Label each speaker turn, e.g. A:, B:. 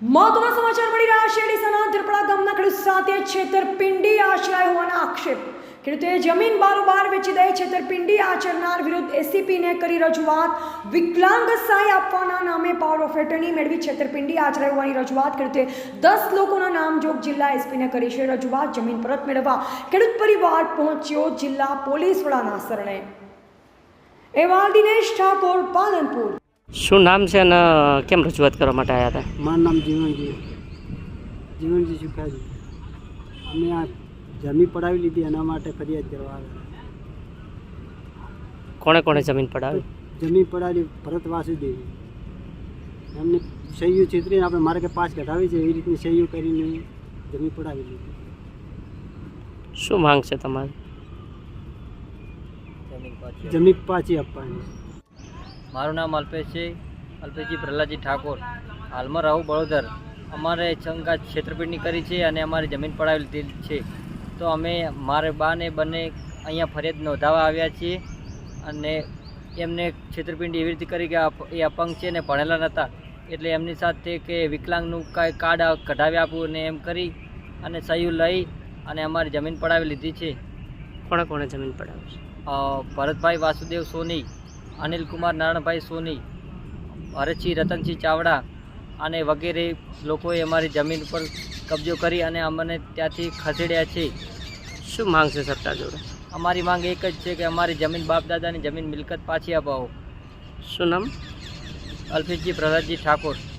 A: મહત્વના સમાચાર મળી રહ્યા છે। ડીસાના ધરપડા ગામના ખેડૂત સાથે છેતરપિંડી આચરાય હોવાના આક્ષેપ। ખેડૂતે જમીન બારોબાર વેચી દઈ છેતરપિંડી આચરનાર વિરુદ્ધ એસીપીને કરી રજૂઆત। વિકલાંગ સહાય આપવાના નામે પાવર ઓફ એટર્ની મેળવી છેતરપિંડી આચરાય હોવાની રજૂઆત। ખેડૂતે 10 લોકોના નામજોગ જિલ્લા એસપીને કરી છે રજૂઆત। જમીન પરત મેળવવા ખેડૂત પરિવાર પહોંચ્યો જિલ્લા પોલીસ વડાના શરણે। અહેવાલ દિનેશ ઠાકોર, પાલનપુર।
B: શું નામ છે અને કેમ રજૂઆત કરવા માટે આવ્યા હતા?
C: મારું નામ જીવનજી સુખાજી। અમે આ જમીન પડાવી લીધી એના માટે ફરિયાદ કરવા આવ્યા।
B: કોણે કોણે જમીન પડાવી?
C: જમીન પડાવી ભરત વાસુદેવી એમને સહીઓ ચિતરીને આપણે મારે કે પાસ કઢાવી છે એવી રીતની સહીઓ કરીને જમીન પડાવી લીધી।
B: શું માંગ છે તમારી?
C: જમીન પાછી આપવાની।
D: મારું નામ અલ્પેશ છે, અલ્પેશજી પ્રહલાદજી ઠાકોર। હાલમાં રહું બળોદર। અમારે શંકા છેતરપિંડી કરી છે અને અમારી જમીન પડાવી લીધી છે, તો અમે મારે બાને બંને અહીંયા ફરિયાદ નોંધાવવા આવ્યા છીએ અને એમને છેતરપિંડી એવી રીતે કરી કે એ અપંગ છે ને ભણેલા નહોતા, એટલે એમની સાથે કે વિકલાંગનું કાંઈ કાર્ડ કઢાવી આપવું ને એમ કરી અને સહી લઈ અને અમારી જમીન પડાવી લીધી છે।
B: કોણે કોણે જમીન પડાવી છે?
D: ભરતભાઈ વાસુદેવ સોની, અનિલકુમાર નારાયણભાઈ સોની, ભરતસિંહ રતનસિંહ ચાવડા અને વગેરે લોકોએ અમારી જમીન ઉપર કબજો કરી અને અમને ત્યાંથી ખસેડ્યા છે।
B: શું માંગ છે સરકાર જોડે?
D: અમારી માંગ એક જ છે કે અમારી જમીન બાપ દાદાની જમીન મિલકત પાછી અપાવો।
B: શું નામ?
D: અલ્પેશજી પ્રહલાદજી ઠાકોર।